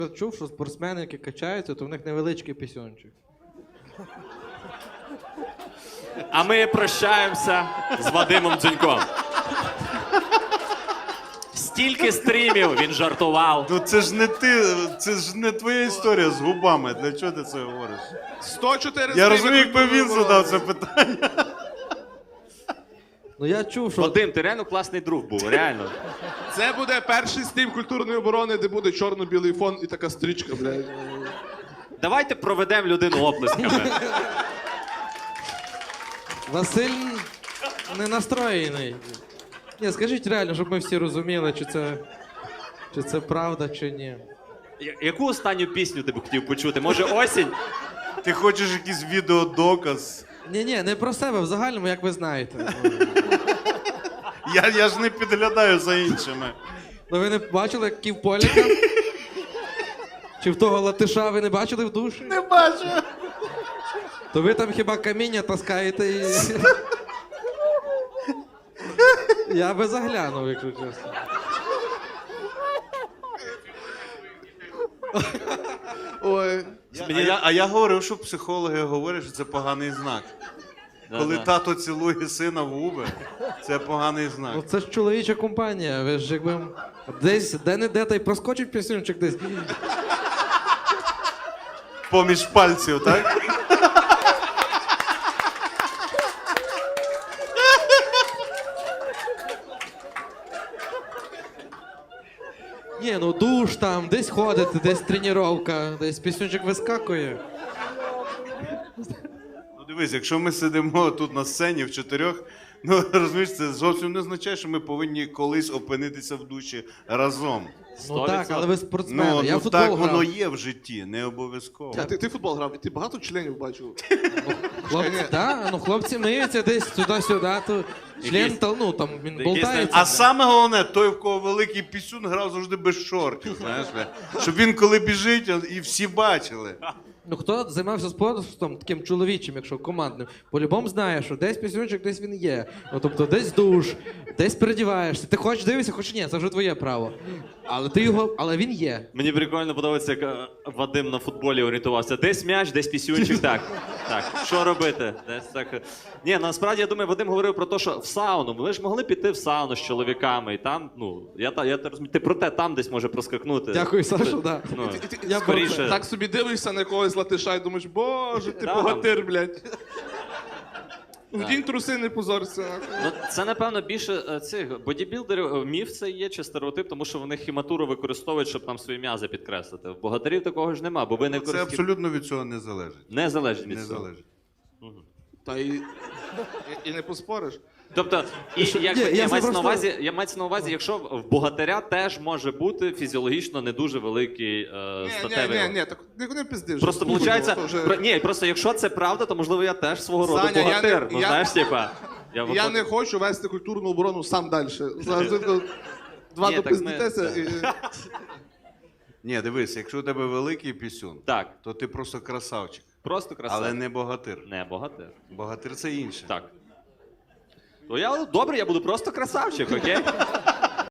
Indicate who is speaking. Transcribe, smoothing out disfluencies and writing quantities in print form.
Speaker 1: Я чув, що спортсмени, які качаються, то в них невеличкий пісюнчик.
Speaker 2: А ми прощаємося з Вадимом Дзюньком. Стільки стрімів він жартував.
Speaker 3: Ну це ж не ти, це ж не твоя історія з губами. Для чого ти це говориш?
Speaker 4: 104
Speaker 3: Я розумію, якби він задав це питання.
Speaker 1: Ну я чув, що...
Speaker 2: Вадим, ти реально класний друг був, реально.
Speaker 4: Це буде перший стрім культурної оборони, де буде чорно-білий фон і така стрічка, блядь.
Speaker 2: Давайте проведемо людину оплесками.
Speaker 1: Василь не настроєний. Ні, скажіть реально, щоб ми всі розуміли, чи це правда, чи ні.
Speaker 2: Яку останню пісню ти б хотів почути? Може, осінь?
Speaker 3: Ти хочеш якийсь відеодоказ?
Speaker 1: Ні, не про себе, в загальному, як ви знаєте.
Speaker 3: Я ж не підглядаю за іншими.
Speaker 1: Ну ви не бачили, як Ківполіка? Чи в того латиша ви не бачили в душі?
Speaker 3: Не бачу.
Speaker 1: То ви там хіба каміння таскаєте і... Я би заглянув, якщо чесно.
Speaker 4: Ой.
Speaker 3: А я говорив, що психологи говорять, що це поганий знак. Коли тато цілує сина в губи, це поганий знак.
Speaker 1: Ну це ж чоловіча компанія, ви ж якби... Десь, де-не-де, та й проскочить пісюнчик десь.
Speaker 3: Поміж пальців, так?
Speaker 1: Ні, ну душ там, десь ходите, десь тренування, десь пісюнчик вискакує.
Speaker 3: Ну дивись, якщо ми сидимо тут на сцені в чотирьох, ну розумієш, це зовсім не означає, що ми повинні колись опинитися в душі разом.
Speaker 1: Ну так, але ви спортсмени,
Speaker 3: Ну,
Speaker 1: я в футбол
Speaker 3: так
Speaker 1: грав.
Speaker 3: воно є в житті, не обов'язково.
Speaker 4: Ти футбол грав, і ти багато членів бачив?
Speaker 1: Хлопці, да, ну хлопці миються десь туди-сюди, то член, ну там він
Speaker 2: Якийсь
Speaker 1: болтається.
Speaker 3: А саме головне, той, в кого великий пісюн, грав завжди без шортів, знаєш, щоб він коли біжить, і всі бачили.
Speaker 1: Ну хто займався спортом таким чоловічим, якщо командним, по-любому знає, що десь пісюнчик, десь він є. Ну тобто десь душ, десь передіваєшся. Ти хочеш дивишся, хочеш ні, це вже твоє право. Але він є.
Speaker 2: Мені прикольно подобається, як Вадим на футболі орієнтувався. Десь м'яч, десь пісюнчик. Так. Що робити? Десь так. Ні, насправді, я думаю, Вадим говорив про те, що в сауну. Ми ж могли піти в сауну з чоловіками. І там, ну, я розумію, ти про те там десь може проскакнути.
Speaker 1: Дякую, Саша, да.
Speaker 2: Ну,
Speaker 1: Я
Speaker 2: скоріше.
Speaker 4: Так собі дивишся на якогось латиша і думаєш, боже, ти
Speaker 2: Да,
Speaker 4: богатир, блядь. Вдінь труси, не позорся.
Speaker 2: Ну, це, напевно, більше цих бодібілдерів, міф це є чи стереотип, тому що вони хіматуру використовують, щоб там свої м'язи підкреслити. В богатирів такого ж нема, бо ви не
Speaker 3: Це
Speaker 2: користуєте.
Speaker 3: абсолютно від цього не залежить.
Speaker 2: Не залежить від
Speaker 3: Не
Speaker 2: цього.
Speaker 3: залежить.
Speaker 4: Та і не поспориш.
Speaker 2: Тобто, і,
Speaker 1: Ні, я
Speaker 2: мається на увазі, якщо в богатиря теж може бути фізіологічно не дуже великий статевий.
Speaker 4: Ні, так не пиздиш.
Speaker 2: Просто виходить, просто якщо це правда, то можливо я теж свого роду
Speaker 4: Саня,
Speaker 2: богатир. Ну знаєш, типа.
Speaker 4: Я не хочу вести культурну оборону сам далі. Завжди два
Speaker 2: Ні, так
Speaker 4: допиздитеся.
Speaker 3: Ні, дивись, якщо у тебе великий пісюн,
Speaker 2: Так,
Speaker 3: то ти просто красавчик.
Speaker 2: просто красиво.
Speaker 3: Але не богатир.
Speaker 2: Не богатир.
Speaker 3: Богатир це інше.
Speaker 2: Так. То я добре, я буду просто красавчик, окей?